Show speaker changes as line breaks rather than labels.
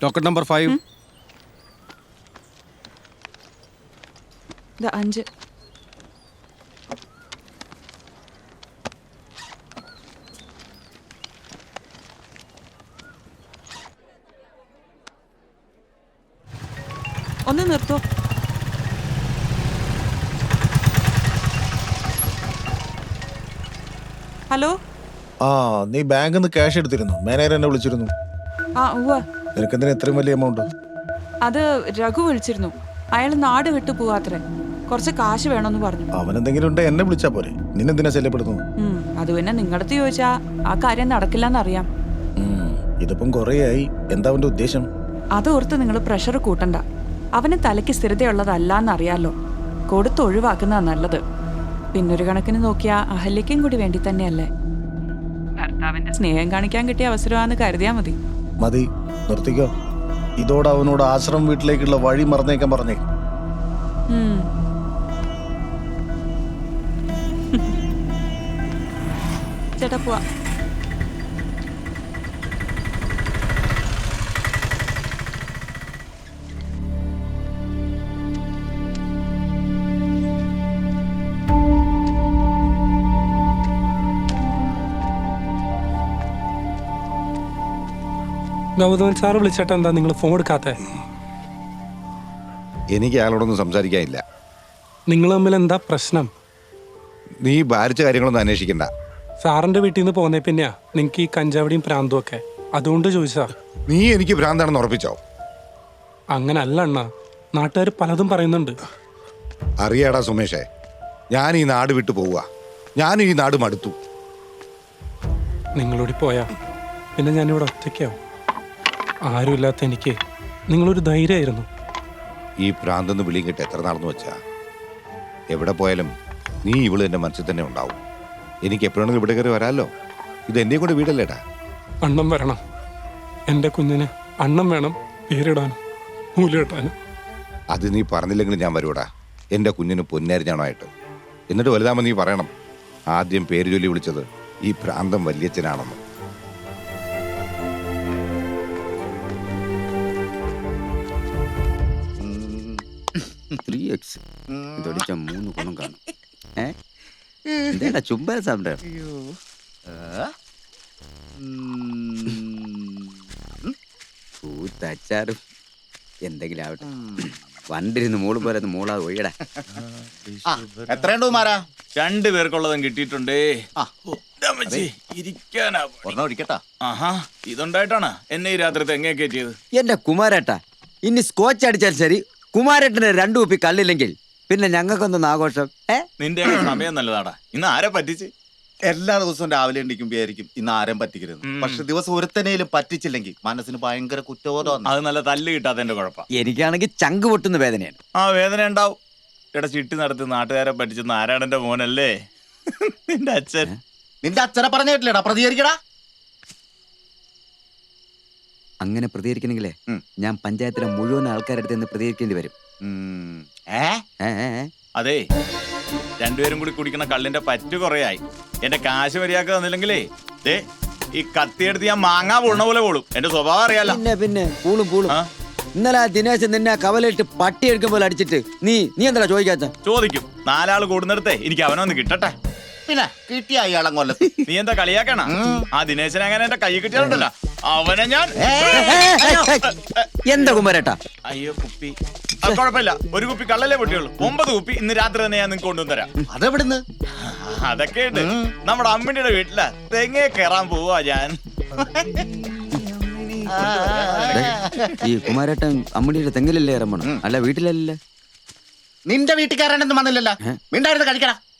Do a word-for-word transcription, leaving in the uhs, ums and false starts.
Locket number five.
അഞ്ച്. ഒന്ന് നിർത്തോ. Hello.
ആ നീ ബാങ്കിൽ നിന്ന് ക്യാഷ് എടുത്തിരുന്നു. മാനേജർ എന്നെ വിളിച്ചിരുന്നു.
ആ ഉവ്വ.
നിനക്കെന്തിനാ ഇത്രയും വലിയ എമൗണ്ട്?
അത് രഘു വിളിച്ചിരുന്നു. അയാൾ നാട് വിട്ടു പോവാത്രേ. കുറച്ച് കാശ് വേണമെന്ന് പറഞ്ഞു.
അവൻ എന്തെങ്കിലും ഉണ്ടെ എന്നെ വിളിച്ചാ പോരെ. നിന്നെന്തിനാ ശല്യപ്പെടുന്നത്?
അത് പിന്നെ നിങ്ങളടുത്ത് ചോദിച്ചാ ആ കാര്യം നടക്കില്ലെന്നറിയാം.
ഇതിപ്പം കൊറേയായി. എന്താ അവന്റെ ഉദ്ദേശം?
അതോർത്ത് നിങ്ങൾ പ്രഷർ കൂട്ടണ്ട. അവന് തലയ്ക്ക് സ്ഥിരതയുള്ളതല്ലാന്നറിയാലോ. കൊടുത്ത് ഒഴിവാക്കുന്നതാ നല്ലത്. പിന്നൊരു കണക്കിന് നോക്കിയാ അഹല്യയ്ക്കും കൂടി വേണ്ടി തന്നെയല്ലേ. ഭർത്താവിന്റെ സ്നേഹം കാണിക്കാൻ കിട്ടിയ അവസരമാണെന്ന് കരുതിയാ മതി.
മതി, നിർത്തിക്കോ. ഇതോടെ അവനോട് ആശ്രമം വീട്ടിലേക്കുള്ള വഴി മറന്നേക്കാൻ പറഞ്ഞേ.
ചേട്ടാ പോവാ.
ഗൗതമൻ സാറ് വിളിച്ചിട്ട് എന്താ നിങ്ങൾ ഫോൺ എടുക്കാത്തെ?
എനിക്ക് അയാളോടൊന്നും സംസാരിക്കാനില്ല.
നിങ്ങൾ തമ്മിൽ എന്താ പ്രശ്നം?
നീ ഭാരിച്ച കാര്യങ്ങളൊന്നും അന്വേഷിക്കണ്ട.
സാറിന്റെ വീട്ടിൽ നിന്ന് പോന്നേ പിന്നെയാ നിനക്ക് ഈ കഞ്ചാവടിയും പ്രാന്തും ഒക്കെ. അതുകൊണ്ട് ചോദിച്ചാ.
നീ എനിക്ക് ഭ്രാന്താണെന്ന് ഉറപ്പിച്ചോ?
അങ്ങനെ അല്ല അണ്ണ, നാട്ടുകാർ പലതും പറയുന്നുണ്ട്.
അറിയാടാ സുമേഷേ, ഞാൻ ഈ നാട് വിട്ടു പോവുക. ഞാൻ ഈ നാട് മടുത്തു.
നിങ്ങളോടി പോയാ പിന്നെ ഞാനിവിടെ ഒറ്റയ്ക്കാവും. ആരുമില്ലാത്ത എനിക്ക് നിങ്ങളൊരു ധൈര്യമായിരുന്നു.
ഈ പ്രാന്തെന്ന് വിളിയും കിട്ടി എത്ര നാളെന്ന് വെച്ചാ. എവിടെ പോയാലും നീ ഇവള് എൻ്റെ മനസ്സിൽ തന്നെ ഉണ്ടാവും. എനിക്ക് എപ്പോഴാണെങ്കിലും ഇവിടെ കയറി വരാമല്ലോ. ഇത് എന്നെയും കൊണ്ട് വീടല്ലേടാ.
അണ്ണം വരണം. എൻ്റെ കുഞ്ഞിന് അണ്ണം വേണം, പേരിടാനും മൂലിടാനും.
അത് നീ പറഞ്ഞില്ലെങ്കിലും ഞാൻ വരൂടാ. എൻ്റെ കുഞ്ഞിന് പൊന്നരിഞ്ഞാണായിട്ട്. എന്നിട്ട് വലുതാമെന്ന് നീ പറയണം, ആദ്യം പേര് ചൊല്ലി വിളിച്ചത് ഈ ഭ്രാന്തം വല്യച്ഛനാണെന്ന്.
ത്രീ എക്സ് ഇതൊടിച്ച മൂന്ന് ഗുണം കാണും. ഏ ചുമ്പാ സാമ്പാ പൂത്തച്ചാറും എന്തെങ്കിലും ആവട്ടെ. വണ്ടിരുന്ന് മോള് പോലെ മോളാ ഒഴിയടാ.
എത്രയുണ്ടോ മാറാ?
രണ്ടു പേർക്കുള്ളതും കിട്ടിയിട്ടുണ്ടേ.
ഒരിക്കട്ടാ.
ആഹാ, ഇതുണ്ടായിട്ടാണ് എന്നെ ഈ രാത്രി തെങ്ങേ കയറ്റിയത്.
എന്റെ കുമാരേട്ടാ, ഇനി സ്കോച്ച് അടിച്ചാൽ ശരി, കുമാരേട്ടന് രണ്ടു കുപ്പി കല്ലില്ലെങ്കിൽ പിന്നെ ഞങ്ങൾക്കൊന്നും ആഘോഷം. ഏ
നിന്റെ സമയം നല്ലതാടാ. ഇന്ന് ആരെ പറ്റിച്ച്?
എല്ലാ ദിവസവും രാവിലെ എണ്ണിക്കുമ്പോയിരിക്കും ഇന്ന് ആരും പറ്റിക്കരുത്. പക്ഷെ ദിവസം ഒരുത്തനേലും പറ്റിച്ചില്ലെങ്കിൽ മനസ്സിന് ഭയങ്കര കുറ്റബോധം.
അത് നല്ല തല്ല് കിട്ടാത്തതിന്റെ കുഴപ്പം.
എനിക്കാണെങ്കിൽ ചങ്ക് പൊട്ടുന്ന വേദനയാണ്.
ആ വേദന ഉണ്ടാവും. ഇവിടെ ചിട്ടി നടത്തി നാട്ടുകാരെ പറ്റിച്ച് നാരായണന്റെ മോനല്ലേ നിന്റെ അച്ഛൻ.
നിന്റെ അച്ഛനെ പറഞ്ഞിട്ടില്ലടാ, പ്രതികരിക്കടാ.
അങ്ങനെ പ്രതികരിക്കണെങ്കിലേ ഞാൻ പഞ്ചായത്തിലെ മുഴുവൻ ആൾക്കാരുടെ നിന്ന് പ്രതികരിക്കേണ്ടി വരും.
അതെ, രണ്ടുപേരും കൂടി കുടിക്കുന്ന കള്ളിന്റെ പറ്റു കുറയായി. എന്റെ കാശ് മര്യാദ തന്നില്ലെങ്കിലേ ദേ ഈ കത്തിയെടുത്ത് ഞാൻ മാങ്ങാ പൊണ്ണ പോലെ പോളും. എന്റെ സ്വഭാവം അറിയാലോ.
പിന്നെ പിന്നെ പൂളും പൂളും. ഇന്നലെ ആ ദിനേശൻ നിന്നെ കവലിട്ട് പട്ടി എടുക്കും പോലെ അടിച്ചിട്ട് നീ നീ എന്താ ചോദിക്കാത്ത?
ചോദിക്കും. നാലാള് കൂടുന്നിടത്തെ എനിക്ക് അവനൊന്ന് കിട്ടട്ടെ.
പിന്നെ കിട്ടിയ അയാളം കൊല്ലത്ത്
നീ എന്താ കളിയാക്കണ? ആ ദിനേശനെ അങ്ങനെ എന്റെ കൈ കിട്ടിയാലുണ്ടല്ലോ അവനെ ഞാൻ.
എന്താ കുമാരേട്ടാ?
അയ്യോ കുപ്പി. അത് കുഴപ്പമില്ല, ഒരു കുപ്പി കള്ളല്ലേ പൊട്ടിയുള്ളൂ. ഒമ്പത് കുപ്പി ഇന്ന് രാത്രി തന്നെ ഞാൻ നിങ്ങൾക്ക് കൊണ്ടുവന്നരാം.
അതെവിടുന്ന്?
അതൊക്കെ ഉണ്ട്. നമ്മുടെ അമ്മിണിയുടെ വീട്ടിലാ തെങ്ങേ കയറാൻ പോവാ ഞാൻ.
ഈ കുമാരേട്ടൻ അമ്മിണിയുടെ തെങ്ങിലല്ലേ ഇറങ്ങണം, അല്ല വീട്ടിലല്ലേ?
നിന്റെ വീട്ടിൽ കയറാനൊന്നും വന്നില്ലല്ലോ. മിണ്ടായിരുന്നു കഴിക്കടാ.